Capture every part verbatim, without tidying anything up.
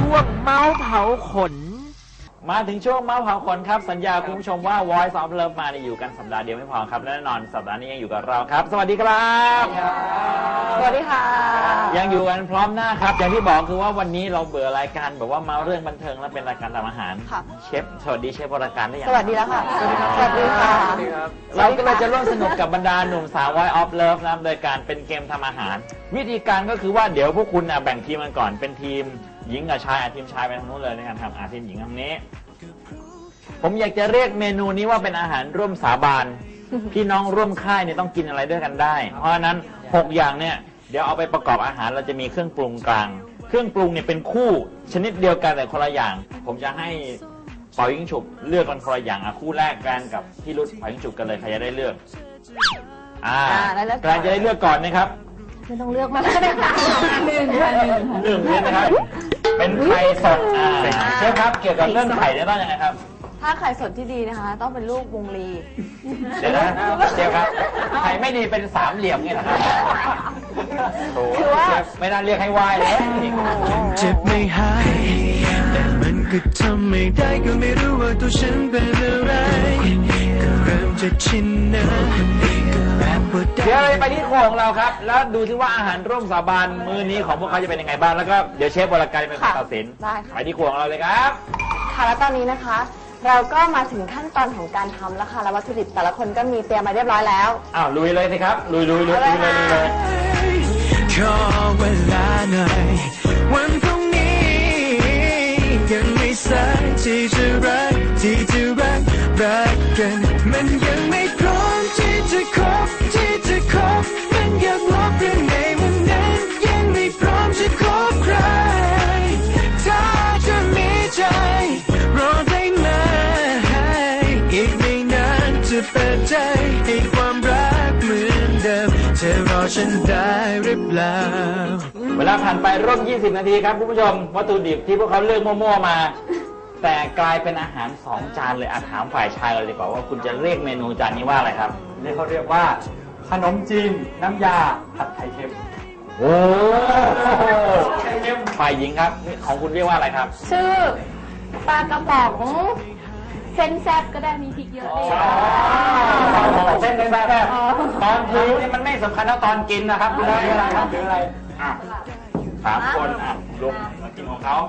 ช่วงเมาส์เผาขนมาถึงช่วงเมาส์เผาขนครับสัญญาคุณผู้ชมว่า Voice of Love มาอยู่กันสัปดาห์เดียวไม่พอครับและแน่นอนสัปดาห์นี้ยังอยู่กับเราครับสวัสดีครับสวัสดีค่ะยังอยู่กันพร้อมหน้าครับอย่างที่บอกคือว่าวันนี้เราเบื่อรายการแบบว่าเมาเรื่องบันเทิงและเป็นรายการทำอาหารเชฟสวัสดีเชฟวรการได้ยังสวัสดีแล้วค่ะสวัสดีครับสวัสดีค่ะเราก็เลยจะร่วมสนุกกับบรรดาหนุ่มสาว Voice of Love นะโดยการเป็นเกมทำอาหารวิธีการก็คือว่าเดี๋ยวพวกคุณแบ่งทีมกันก่อนเป็นทีมหญิงกับชายอาทีมชายไปทางนู้นเลยในการทำอาทีมหญิงทางนี้ผมอยากจะเรียกเมนูนี้ว่าเป็นอาหารร่วมสาบานพี่น้องร่วมค่ายเนี่ยต้องกินอะไรด้วยกันได้เพราะฉะนั้นหกอย่างเนี่ยเดี๋ยวเอาไปประกอบอาหารเราจะมีเครื่องปรุงกลางเครื่องปรุงเนี่ยเป็นคู่ชนิดเดียวกันแต่คนละอย่างผมจะให้เป่ายิงฉุบเลือกกันคนละอย่างอ่ะคู่แรกแกรนกับพี่รุ่เป่ายิงฉุบกันเลยใครจะได้เลือกอ่าแกรนจะได้เลือกก่อนนะครับไม่ต้องเลือกมาเลยค่ะหนึ่งค่ะหนึ่งหนึ่งเลยนะครับเป็นไข่สดอ่าเชฟครับเกี่ยวกับเรื่องไข่เนี่ยต้องยังไงครับถ้าไข่สดที่ดีนะคะต้องเป็นลูกวงลีเดี๋ยวนะเชฟครับไข่ไม่ดีเป็นสามเหลี่ยมไงนะครับคือว่าไม่น่าเรียกให้วายเลยเจ็บไม่หายแต่มันก็ทำไม่ได้ก็ไม่รู้ว่าตัวฉันเป็นอะไรก็เริ่มจะชินนะเดี๋ยวไปที่ครัวของเราครับแล้วดูซิว่าอาหารร่วมสาบานมื้อนี้ของพวกเขาจะเป็นยังไงบ้างแล้วก็เดี๋ยวเชฟวรการเป็นคนตัดสินไปที่ครัวของเราเลยครับค่ะแล้วตอนนี้นะคะเราก็มาถึงขั้นตอนของการทำแล้วค่ะแล้ววัตถุดิบแต่ละคนก็มีเตรียมมาเรียบร้อยแล้วอ้าวลุยเลยสิครับลุยลุยลุยลุยเลยเลยขอเวลาหน่อยวันพรุ่งนี้ยังไม่สายที่จะรักที่จะรักรักกันมันยังไม่พร้อมที่จะคบที่จะคบมันอยากลบเรื่องในวันนั้นยังไม่พร้อมจะคบใครถ้าจะมีใจรอได้ไหมอีกไม่นานจะเปิดใจให้ความรักเหมือนเดิมจะรอฉันได้หรือเปล่าเวลาผ่านไปร่วมยี่สิบนาทีครับคุณผู้ชมวัตถุดิบที่พวกเขาเลือกมั่วๆมาแต่กลายเป็นอาหารสองจานเลยอาถามฝ่ายชายเลยดีกว่าว่าคุณจะเรียกเมนูจานนี้ว่าอะไรครับนี่เขาเรียกว่าขนมจีนน้ำยาผัดไข่เค็มโอ้ไข่เค็มฝ่ายหญิงครับของคุณเรียกว่าอะไรครับชื่อปลากระป๋องเส้นแซ่บก็ได้มีพริกเยอะเลยเส้นแซ่บตอนถือนี่มันไม่สำคัญเท่าตอนกินนะครับคืออะไรครับคืออะไรสามคนอ่ะลงมากินของเขา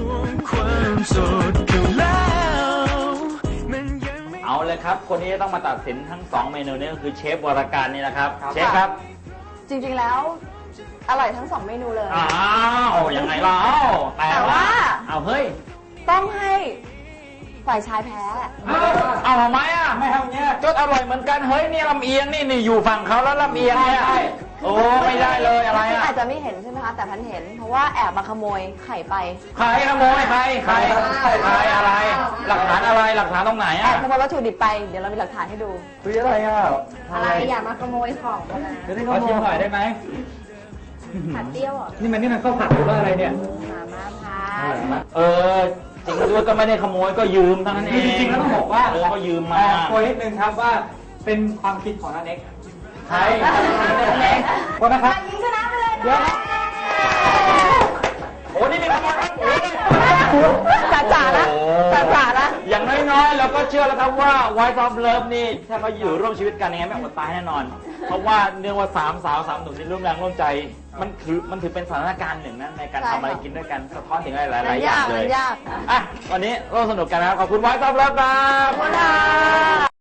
เอาเลยครับคนนี้ต้องมาตัดสินทั้งสองเมนูนี้ก็คือเชฟวรการนี่นะครับเชฟครับจริงๆแล้วอร่อยทั้งสองเมนูเลยอ้าวยังไงล่ะแต่ว่าเอาเฮ้ยต้องให้ฝ่ายชายแพ้เอาทำไมอ่ะไม่ทำเงี้ยจดอร่อยเหมือนกันเฮ้ยนี่ลำเอียงนี่นี่อยู่ฝั่งเขาแล้วลำเอียงเนี่ยโอ้ไม่ได้เลยอะไรอ่ะอาจจะไม่เห็นใช่ไหมคะแต่พันเห็นเพราะว่าแอบมาขโมยไข่ไปใครขโมยใครใครใครอะไรหลักฐานอะไรหลักฐานตรงไหนอ่ะขโมยวัตถุดิบไปเดี๋ยวเรามีหลักฐานให้ดูคืออะไรอ่ะอะไรอย่ามาขโมยของนะจะได้ขโมยหน่อยได้ไหมผัดเตี้ยวอ่ะนี่มันนี่มันข้าวผัดหรือว่าอะไรเนี่ยมาม่าผัดเออจริงด้วยก็ไม่ได้ขโมยก็ยืมเท่านั้นเองจริงๆแล้วต้องบอกว่าเออก็ยืมมาโอยนิดนึงครับว่าเป็นความคิดของนันเอกใช่คนนะครับยิงชนะไปเลยเดี๋ยวโอ้นี่นี่ขโมยจ่าจ่าละจ่าจ่าละอย่างน้อยๆเราก็เชื่อแล้วครับว่า Voice of Love นี่ถ้าเขาอยู่ร่วมชีวิตกันยังไงไม่อดตายแน่นอนเพราะว่าเนื่องว่าสามสาวสามหนุ่มที่ร่วมแรงร่วมใจมันถือมันถือเป็นสถานการณ์หนึ่งนะในการทำอะไรกินด้วยกันสะท้อนถึงหลายๆอย่างเลยอ่ะวันนี้ร่วมสนุกกันนะครับขอบคุณ Voice of Love ครับขอบคุณค่ะ